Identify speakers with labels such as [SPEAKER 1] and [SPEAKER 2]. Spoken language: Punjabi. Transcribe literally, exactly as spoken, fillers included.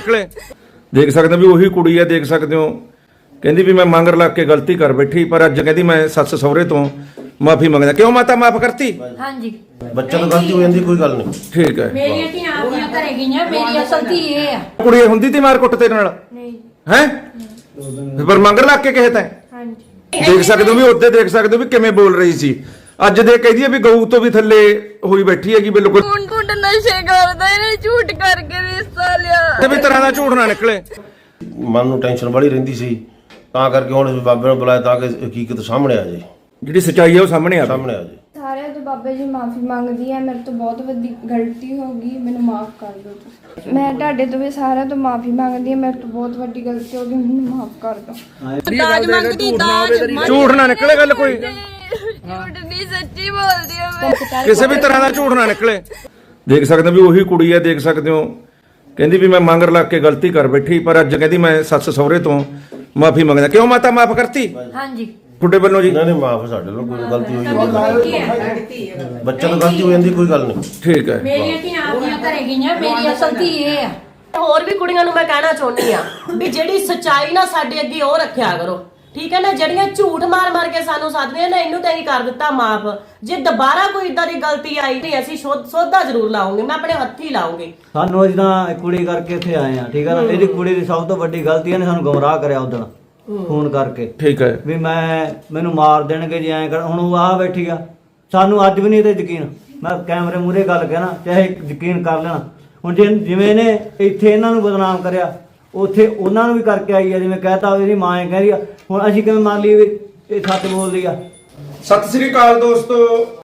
[SPEAKER 1] ਨਿਕਲੇ ਦੇਖ ਸਕਦੇ ਹੋ ਵੀ ਉਹੀ ਕੁੜੀ ਹੈ। ਦੇਖ ਸਕਦੇ ਹੋ ਕਹਿੰਦੀ ਵੀ ਮੈਂ ਮੰਗਰ ਲੱਗ ਕੇ ਗਲਤੀ ਕਰ ਬੈਠੀ, ਪਰ ਅੱਜ ਕਹਿੰਦੀ ਮੈਂ ਸੱਸ ਸਹੁਰੇ ਤੋਂ ਮਾਫੀ ਮੰਗਦਾ। ਕਿਉਂ ਮਾਤਾ ਮਾਫ ਕਰਤੀ?
[SPEAKER 2] ਹਾਂਜੀ
[SPEAKER 3] ਬੱਚਾ ਤਾਂ ਗਲਤੀ ਹੋ ਜਾਂਦੀ, ਕੋਈ ਗੱਲ ਨਹੀਂ।
[SPEAKER 1] ਠੀਕ ਹੈ।
[SPEAKER 2] ਮੇਰੀਆਂ ਧੀਆਂ ਆਪਣੀਆਂ ਘਰੇ ਗਈਆਂ, ਮੇਰੀ ਅਸਲ ਧੀ ਇਹ ਆ।
[SPEAKER 1] ਕੁੜੀ ਹੁੰਦੀ ਤੀ ਮਾਰ ਕੁੱਟ ਤੇਰੇ ਨਾਲ
[SPEAKER 2] ਨਹੀਂ
[SPEAKER 1] ਹੈ, ਪਰ ਮੰਗਰ ਲੱਗ ਕੇ ਕਹੇ ਤੈਂ।
[SPEAKER 2] ਹਾਂਜੀ
[SPEAKER 1] ਦੇਖ ਸਕਦੇ ਹੋ ਵੀ ਉੱਤੇ ਦੇਖ ਸਕਦੇ ਹੋ ਵੀ ਕਿਵੇਂ ਬੋਲ ਰਹੀ ਸੀ। ਅੱਜ ਦੇ ਕਹਦੀ ਹੈ ਵੀ ਗਊ ਤੋਂ ਵੀ ਥੱਲੇ ਹੋਈ ਬੈਠੀ ਹੈਗੀ ਬਿਲਕੁਲ।
[SPEAKER 4] ਹੁਣ ਕੁੰਡ ਨਸ਼ੇ ਕਰਦਾ, ਇਹਨੇ ਝੂਠ ਕਰਕੇ ਰਿਸ਼ਤਾ ਲਿਆ।
[SPEAKER 1] ਤੇ ਵੀ ਤਰ੍ਹਾਂ ਦਾ ਝੂਠ ਨਾ ਨਿਕਲੇ।
[SPEAKER 3] ਮਨ ਨੂੰ ਟੈਨਸ਼ਨ ਬੜੀ ਰਹਿੰਦੀ ਸੀ, ਤਾਂ ਕਰਕੇ ਹੁਣ ਬਾਬੇ ਨੂੰ ਬੁਲਾਇਆ ਤਾਂ ਕਿ ਹਕੀਕਤ ਸਾਹਮਣੇ ਆ ਜਾਏ,
[SPEAKER 1] ਜਿਹੜੀ ਸੱਚਾਈ ਹੈ ਉਹ ਸਾਹਮਣੇ ਆ
[SPEAKER 3] ਸਾਹਮਣੇ ਆ ਜਾਏ।
[SPEAKER 5] ਸਾਰਿਆਂ ਤੋਂ ਬਾਬਾ ਜੀ ਮਾਫੀ ਮੰਗਦੀ ਹੈ, ਮੇਰੇ ਤੋਂ ਬਹੁਤ ਵੱਡੀ ਗਲਤੀ ਹੋ ਗਈ, ਮੈਨੂੰ ਮਾਫ ਕਰ ਦਿਓ ਤੁਸੀਂ। ਮੈਂ ਤੁਹਾਡੇ ਤੋਂ ਵੀ ਸਾਰਿਆਂ ਤੋਂ ਮਾਫੀ ਮੰਗਦੀ ਹਾਂ, ਮੇਰੇ ਤੋਂ ਬਹੁਤ ਵੱਡੀ ਗਲਤੀ ਹੋ ਗਈ, ਮੈਨੂੰ ਮਾਫ ਕਰ ਦਿਓ।
[SPEAKER 4] ਦਾਜ ਮੰਗਦੀ, ਦਾਜ
[SPEAKER 1] ਝੂਠ ਨਾ ਨਿਕਲੇ ਗੱਲ ਕੋਈ,
[SPEAKER 4] ਝੂਠ ਨਹੀਂ ਸੱਚੀ ਬੋਲਦੀ ਆ ਮੈਂ।
[SPEAKER 1] ਕਿਸੇ ਵੀ ਤਰ੍ਹਾਂ ਦਾ ਝੂਠ ਨਾ ਨਿਕਲੇ। ਦੇਖ ਸਕਦੇ ਹੋ ਵੀ ਉਹੀ ਕੁੜੀ ਹੈ। ਦੇਖ ਸਕਦੇ ਹੋ ਕਹਿੰਦੀ ਵੀ ਮੈਂ ਮੰਗਰ ਲੱਗ ਕੇ ਗਲਤੀ ਕਰ ਬੈਠੀ, ਪਰ ਅੱਜ ਕਹਿੰਦੀ ਮੈਂ ਸੱਸ ਸਹੁਰੇ ਤੋਂ ਮਾਫੀ ਮੰਗਦਾ। ਕਿਉਂ ਮਾਤਾ ਮਾਫ ਕਰਤੀ?
[SPEAKER 2] ਹਾਂਜੀ
[SPEAKER 1] ਤੁਹਾਡੇ ਵੱਲੋਂ ਜੀ?
[SPEAKER 3] ਨਹੀਂ ਨਹੀਂ ਮਾਫ, ਸਾਡੇ ਨਾਲ ਕੋਈ ਗਲਤੀ ਹੋਈ ਜਾਂਦੀ, ਬੱਚਾ ਤਾਂ ਗਲਤੀ ਹੋ ਜਾਂਦੀ, ਕੋਈ ਗੱਲ ਨਹੀਂ।
[SPEAKER 1] ਠੀਕ ਹੈ।
[SPEAKER 2] ਮੇਰੀਆਂ ਧੀਆਂ ਆਪਣੀਆਂ ਘਰੇ ਗਈਆਂ, ਮੇਰੀ ਅਸਲ ਧੀ ਇਹ ਆ।
[SPEAKER 6] ਹੋਰ ਵੀ ਕੁੜੀਆਂ ਨੂੰ ਮੈਂ ਕਹਿਣਾ ਚਾਹੁੰਦੀ ਆ ਵੀ ਜਿਹੜੀ ਸੱਚਾਈ ਨਾ ਸਾਡੇ ਅੱਗੇ ਉਹ ਰੱਖਿਆ ਕਰੋ, ਠੀਕ ਹੈ ਨਾ। ਜਿਹੜੀਆਂ ਝੂਠ ਮਾਰ ਮਾਰ ਕੇ ਸਾਨੂੰ ਸਾਧਦੀਆਂ ਨੇ, ਇਹਨੂੰ ਤਾਂ ਹੀ ਕਰ ਦਿੱਤਾ ਮਾਫ। ਜੇ ਦੁਬਾਰਾ ਕੋਈ ਇਦਾਂ ਦੀ ਗਲਤੀ ਆਈ ਤੇ ਅਸੀਂ ਸੋਧਾ ਜ਼ਰੂਰ ਲਾਉਂਗੇ, ਮੈਂ ਆਪਣੇ ਹੱਥੀ ਲਾਉਂਗੀ।
[SPEAKER 7] ਸਾਨੂੰ ਅੱਜ ਤਾਂ ਕੁੜੀ ਕਰਕੇ ਇੱਥੇ ਆਏ ਆ, ਠੀਕ ਹੈ ਨਾ। ਇਹਦੀ ਕੁੜੀ ਦੀ ਸਭ ਤੋਂ ਵੱਡੀ ਗਲਤੀ ਇਹਨੇ ਸਾਨੂੰ ਗੁੰਮਰਾਹ ਕਰਿਆ ਉਦੋਂ ਫੋਨ ਕਰਕੇ।
[SPEAKER 1] ਠੀਕ ਹੈ।
[SPEAKER 7] ਵੀ ਮੈਂ ਮੈਨੂੰ ਮਾਰ ਦੇਣਗੇ ਜੇ ਐਂ ਕਰ। ਹੁਣ ਉਹ ਆ ਬੈਠੀ ਆ, ਸਾਨੂੰ ਅੱਜ ਵੀ ਨਹੀਂ ਇਹਦੇ ਯਕੀਨ। ਮੈਂ ਕੈਮਰੇ ਮੂਹਰੇ ਗੱਲ ਕਹਿਣਾ, ਚਾਹੇ ਯਕੀਨ ਕਰ ਲੈਣਾ। ਹੁਣ ਜੇ ਜਿਵੇਂ ਇਹਨੇ ਇੱਥੇ ਇਹਨਾਂ ਨੂੰ ਬਦਨਾਮ ਕਰਿਆ, ਉੱਥੇ ਉਹਨਾਂ ਨੂੰ ਵੀ ਕਰਕੇ ਆਈ ਆ। ਜਿਵੇਂ ਕਹਿਤਾ ਇਹਦੀ ਮਾਂ ਐ ਕਹਿੰਦੀ ਆ, ਹੁਣ ਅਸੀਂ ਕਿਵੇਂ ਮੰਨ ਲਈਏ ਵੀ ਇਹ ਸੱਚ ਬੋਲਦੀ ਆ?
[SPEAKER 1] ਸਤਿ ਸ੍ਰੀ ਅਕਾਲ ਦੋਸਤੋ।